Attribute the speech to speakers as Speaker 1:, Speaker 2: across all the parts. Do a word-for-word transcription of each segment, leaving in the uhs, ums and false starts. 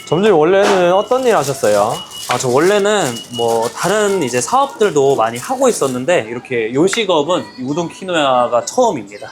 Speaker 1: 점주님 원래는 어떤 일 하셨어요?
Speaker 2: 아, 저 원래는 뭐 다른 이제 사업들도 많이 하고 있었는데 이렇게 요식업은 이 우동 키노야가 처음입니다.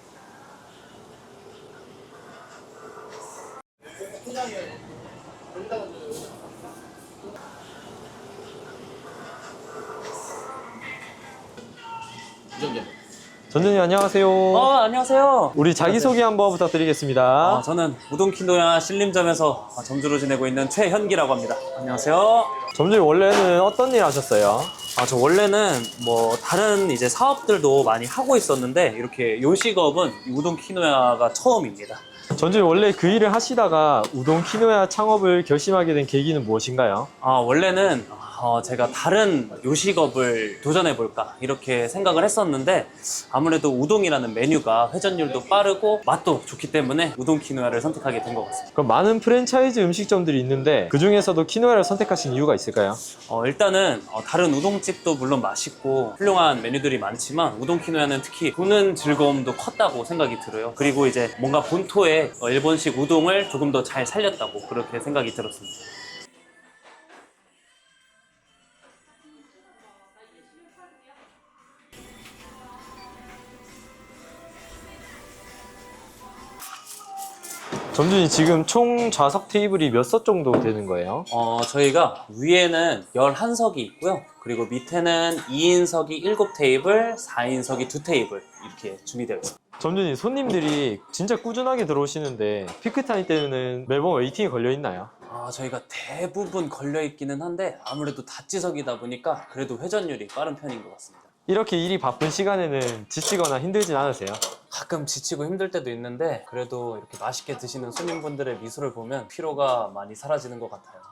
Speaker 1: 점주님 안녕하세요.
Speaker 2: 어, 안녕하세요.
Speaker 1: 우리 자기소개 한번 부탁드리겠습니다.
Speaker 2: 아, 저는 우동 키노야 신림점에서 점주로 지내고 있는 최현기라고 합니다. 안녕하세요.
Speaker 1: 점주님 원래는 어떤 일 하셨어요?
Speaker 2: 아, 저 원래는 뭐 다른 이제 사업들도 많이 하고 있었는데 이렇게 요식업은 이 우동 키노야가 처음입니다.
Speaker 1: 점주님 원래 그 일을 하시다가 우동 키노야 창업을 결심하게 된 계기는 무엇인가요?
Speaker 2: 아, 원래는 어, 제가 다른 요식업을 도전해볼까 이렇게 생각을 했었는데 아무래도 우동이라는 메뉴가 회전율도 빠르고 맛도 좋기 때문에 우동 키노야를 선택하게 된 것 같습니다.
Speaker 1: 그럼 많은 프랜차이즈 음식점들이 있는데 그 중에서도 키노야를 선택하신 이유가 있을까요?
Speaker 2: 어, 일단은 어, 다른 우동집도 물론 맛있고 훌륭한 메뉴들이 많지만 우동 키노야는 특히 보는 즐거움도 컸다고 생각이 들어요. 그리고 이제 뭔가 본토의 어, 일본식 우동을 조금 더 잘 살렸다고 그렇게 생각이 들었습니다.
Speaker 1: 점주님 지금 총 좌석 테이블이 몇 석 정도 되는 거예요?
Speaker 2: 어, 저희가 위에는 열한 석이 있고요. 그리고 밑에는 이 인석이 일곱 테이블, 사 인석이 두 테이블 이렇게 준비되어 있습니다.
Speaker 1: 점주님 손님들이 진짜 꾸준하게 들어오시는데 피크타임 때는 매번 웨이팅이 걸려 있나요?
Speaker 2: 아, 저희가 대부분 걸려 있기는 한데 아무래도 다찌석이다 보니까 그래도 회전율이 빠른 편인 것 같습니다.
Speaker 1: 이렇게 일이 바쁜 시간에는 지치거나 힘들진 않으세요?
Speaker 2: 가끔 지치고 힘들 때도 있는데 그래도 이렇게 맛있게 드시는 손님분들의 미소를 보면 피로가 많이 사라지는 것 같아요.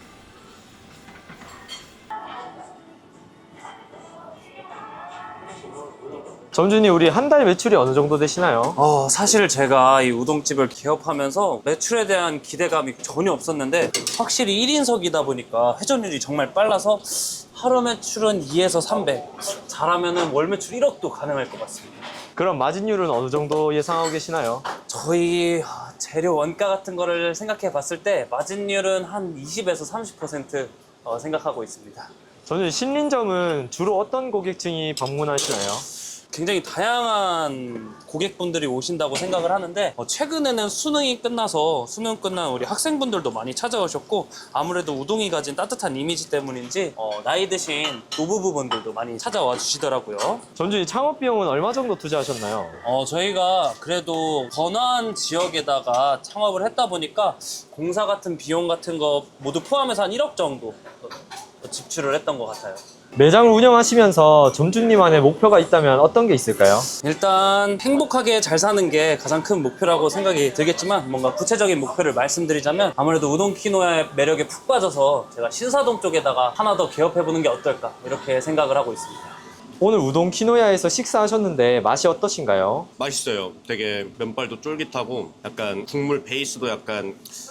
Speaker 1: 점주님 우리 한 달 매출이 어느 정도 되시나요?
Speaker 2: 어, 사실 제가 이 우동집을 개업하면서 매출에 대한 기대감이 전혀 없었는데 확실히 일 인석이다 보니까 회전율이 정말 빨라서 하루 매출은 이에서 삼백, 잘하면 월 매출 일억도 가능할 것 같습니다.
Speaker 1: 그럼 마진율은 어느 정도 예상하고 계시나요?
Speaker 2: 저희 재료 원가 같은 거를 생각해 봤을 때 마진율은 한 이십에서 삼십 퍼센트 어, 생각하고 있습니다.
Speaker 1: 저는 신림점은 주로 어떤 고객층이 방문하시나요?
Speaker 2: 굉장히 다양한 고객분들이 오신다고 생각을 하는데 어, 최근에는 수능이 끝나서 수능 끝난 우리 학생분들도 많이 찾아오셨고 아무래도 우동이 가진 따뜻한 이미지 때문인지 어, 나이 드신 노부부분들도 많이 찾아와 주시더라고요.
Speaker 1: 점주님 창업 비용은 얼마 정도 투자하셨나요?
Speaker 2: 어, 저희가 그래도 번화한 지역에다가 창업을 했다 보니까 공사 같은 비용 같은 거 모두 포함해서 한 일억 정도 지출을 했던 것 같아요.
Speaker 1: 매장을 운영하시면서 점주님만의 목표가 있다면 어떤 게 있을까요?
Speaker 2: 일단 행복하게 잘 사는 게 가장 큰 목표라고 생각이 들겠지만 뭔가 구체적인 목표를 말씀드리자면 아무래도 우동 키노야의 매력에 푹 빠져서 제가 신사동 쪽에다가 하나 더 개업해보는 게 어떨까 이렇게 생각을 하고 있습니다.
Speaker 1: 오늘 우동 키노야에서 식사하셨는데 맛이 어떠신가요?
Speaker 3: 맛있어요. 되게 면발도 쫄깃하고 약간 국물 베이스도 약간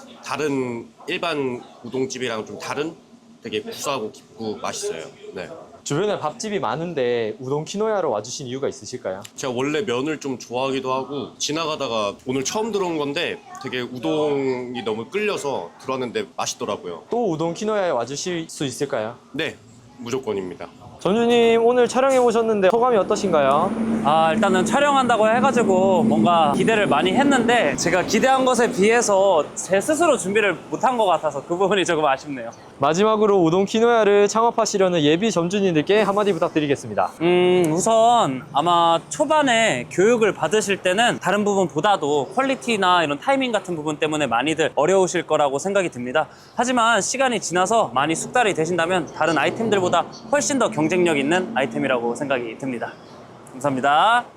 Speaker 3: 다른 일반 우동집이랑 좀 다른 되게 구수하고 깊고 맛있어요. 네.
Speaker 1: 주변에 밥집이 많은데 우동 키노야로 와주신 이유가 있으실까요?
Speaker 3: 제가 원래 면을 좀 좋아하기도 하고 지나가다가 오늘 처음 들어온 건데 되게 우동이 너무 끌려서 들어왔는데 맛있더라고요.
Speaker 1: 또 우동 키노야에 와주실 수 있을까요?
Speaker 3: 네, 무조건입니다.
Speaker 1: 점주님 오늘 촬영해 오셨는데 소감이 어떠신가요?
Speaker 2: 아, 일단은 촬영한다고 해가지고 뭔가 기대를 많이 했는데 제가 기대한 것에 비해서 제 스스로 준비를 못한 것 같아서 그 부분이 조금 아쉽네요.
Speaker 1: 마지막으로 우동 키노야를 창업하시려는 예비 점주님들께 한마디 부탁드리겠습니다.
Speaker 2: 음, 우선 아마 초반에 교육을 받으실 때는 다른 부분보다도 퀄리티나 이런 타이밍 같은 부분 때문에 많이들 어려우실 거라고 생각이 듭니다. 하지만 시간이 지나서 많이 숙달이 되신다면 다른 아이템들보다 훨씬 더 경쟁력 있는 아이템이라고 생각이 듭니다. 감사합니다.